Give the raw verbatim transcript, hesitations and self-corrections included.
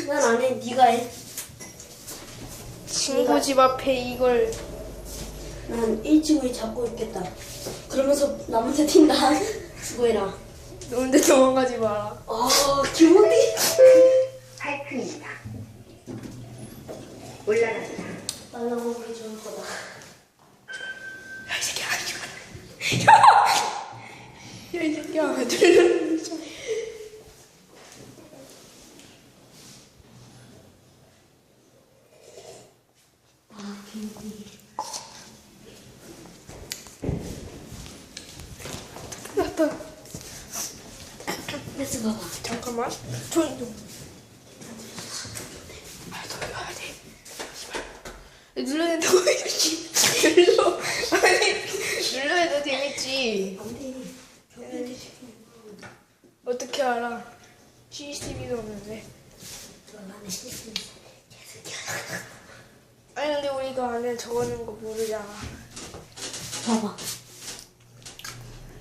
난 안 해. 네가 해. 친구 집 앞에 이걸 난 일 층을 잡고 있겠다. 그러면서 남한테 튄다. 수고해라. 너한테 도망가지 마라. 아, 기분이. 하이크입니다. 올라갑니다. 날라오기 좋을 거다. 야, 이 새끼야. 야! 야, 이 새끼야. 들려. 아, 기분이. 났다. 됐어, 봐봐. 잠깐만. 조용히 좀. 아, 돌려야 돼. 씨발. 눌러야 된다고 해야지. 눌러. 아니, 눌러야 더 재밌지. 안 돼. 벽에 어떻게 알아? 씨씨티비도 없는데. 안에 시스템 개새끼야. 아니, 근데 우리가 안에 적어놓은 거 모르잖아. 봐봐.